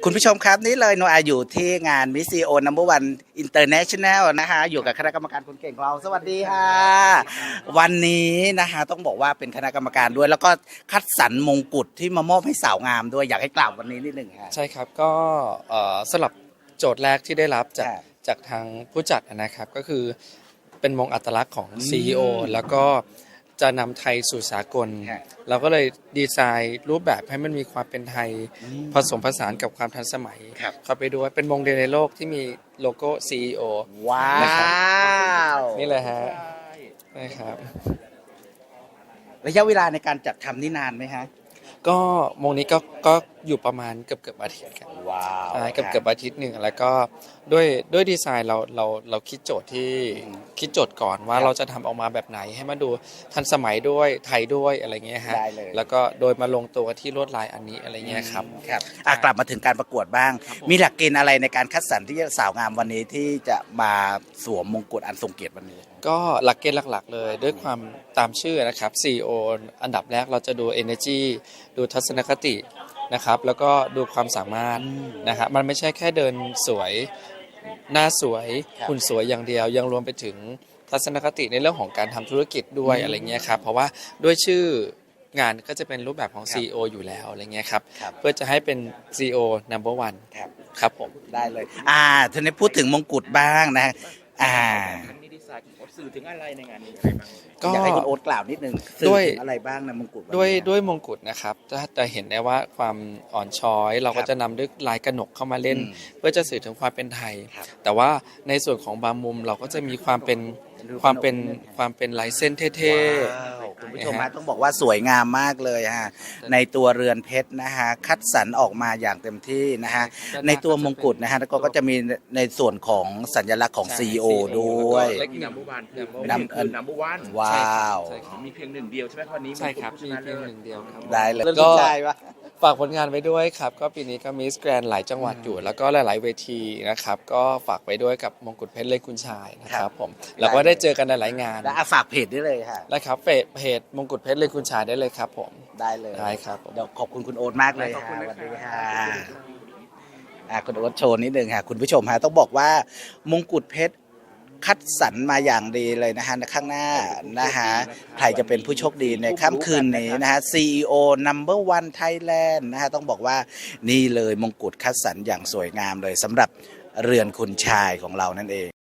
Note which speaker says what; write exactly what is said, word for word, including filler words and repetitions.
Speaker 1: คุณผู้ชมครับนี่เลยโนอาอยู่ที่งานมิสซีโอนัมเบอร์วันอินเตอร์เนชั่นแนลนะคะอยู่กับคณะกรรมการคนเก่งของเราสวัสดีค่ะวันนี้นะคะต้องบอกว่าเป็นคณะกรรมการด้วยแล้วก็คัดสรรมงกุฎที่มามอบให้สาวงามด้วยอยากให้กล่าววันนี้นิดหนึ่งค่ะ
Speaker 2: ใช่ครับก็สลับโจทย์แรกที่ได้รับจากจากทางผู้จัดนะครับก็คือเป็นมงอัตลักษณ์ของ ซี อี โอ แล้วก็จะนำไทยสู่สากลเราก็เลยดีไซน์รูปแบบให้มันมีความเป็นไทยผสมผสานกับความทันสมัยเข้าไปด้วยเป็นมงเดียวในโลกที่มีโลโก้ ซี อี โอ
Speaker 1: ว้าว
Speaker 2: นี่เลยฮะนะครับ
Speaker 1: ระยะเวลาในการจัดทำนี่นานไหมฮะ
Speaker 2: ก็มงนี้ก็ก็อยู่ประมาณเกือบเกือบอาทิตย์ครับ
Speaker 1: ว้าว
Speaker 2: เกือบเกือบอาทิตย์หนึ่งแล้วก็ด้วยด้วยดีไซน์เราเราเราคิดโจทย์ที่คิดโจทย์ก่อนว่าเราจะทำออกมาแบบไหนให้มันดูทันสมัยด้วยไทยด้วยอะไรเงี้ยฮะแล้วก็โดยมาลงตัวที่ลวดลายอันนี้อะไรเงี้ยครับ
Speaker 1: ครับกลับมาถึงการประกวดบ้างมีหลักเกณฑ์อะไรในการคัดสรรที่สาวงามวันนี้ที่จะมาสวมมงกุฎอันทรงเกียรติวันนี้
Speaker 2: ก็หลักเกณฑ์หลักๆเลยด้วยความตามชื่อนะครับ ซี อี โอ อันดับแรกเราจะดู energy ดูทัศนคตินะครับแล้วก็ดูความสามารถนะครับมันไม่ใช่แค่เดินสวยหน้าสวยหุ่นสวยอย่างเดียวยังรวมไปถึงทัศนคติในเรื่องของการทำธุรกิจด้วยอะไรเงี้ยครับเพราะว่าด้วยชื่องานก็จะเป็นรูปแบบของ ซี อี โอ อยู่แล้วอะไรเงี้ยครับเพื่อจะให้เป็น ซี อี โอ นัมเบอร์ วัน
Speaker 1: ครับ
Speaker 2: ครับผม
Speaker 1: ได้เลยอ่าทีนี้พูดถึงมงกุฎบ้างนะอ่า
Speaker 3: สื่อถึงอะไรในงานนี้
Speaker 1: ก็อยากให้คุณโอ๊ตกล่าวนิดนึงด้วยอะไรบ้างนะมงกุฎ
Speaker 2: ด้วยด้วยมงกุฎนะครับจะจะเห็นได้ว่าความอ่อนช้อยเราก็จะนำด้วยลายกระหนกเข้ามาเล่นเพื่อจะสื่อถึงความเป็นไทยแต่ว่าในส่วนของบางมุมเราก็จะมีความเป็นความเป็นความเป็นลายเส้นเท่
Speaker 1: ๆคุณผู้ชมฮะต้องบอกว่าสวยงามมากเลยฮะในตัวเรือนเพชรนะฮะคัดสรรออกมาอย่างเต็มที่นะฮะในตัวมงกุฎนะฮะแล้วก็จะมีในส่วนของสัญลักษณ์ของ ซี อี โอ ด้วย
Speaker 3: นัมเบอร์วัน
Speaker 1: นัมเบอร์นัมเบอร์วันว้าว
Speaker 3: มีเพียงหนึ่งเดียวใช่ไหมวันนี้
Speaker 2: ใช่ครับมีเพียงหนึ่งเดียวครับ
Speaker 1: ได้เลยก็
Speaker 2: ฝากผลงานไว้ด้วยครับก็ปีนี้ก็มิสแกรนด์หลายจังหวัดอยู่แล้วก็หลายๆเวทีนะครับก็ฝากไว้ด้วยกับมงกุฎเพชรเล็กคุณชายนะครับผมแล้วก็ได้เจอกันในหลายงาน
Speaker 1: แล้วฝากเพจได้เลยค่ะ
Speaker 2: ได้ครับเพจมงกุฎเพชรเล็กคุณชายได้เลยครับผม
Speaker 1: ได้เลย
Speaker 2: ได้ครับ
Speaker 1: เดี๋ยวขอบคุณคุณโอ๊ตมากเลยค่ะสวัสดีค่ะคุณโอ๊ตโชว์นิดนึงค่ะคุณผู้ชมฮะต้องบอกว่ามงกุฎเพชรคัดสรรมาอย่างดีเลยนะฮะในข้างหน้านะฮะใครจะเป็นผู้โชคดีในค่ำคืนนี้นะฮะ ซี อี โอ นัมเบอร์ วัน Thailand นะฮะต้องบอกว่านี่เลยมงกุฎคัดสรรอย่างสวยงามเลยสำหรับเรือนคุณชายของเรานั่นเอง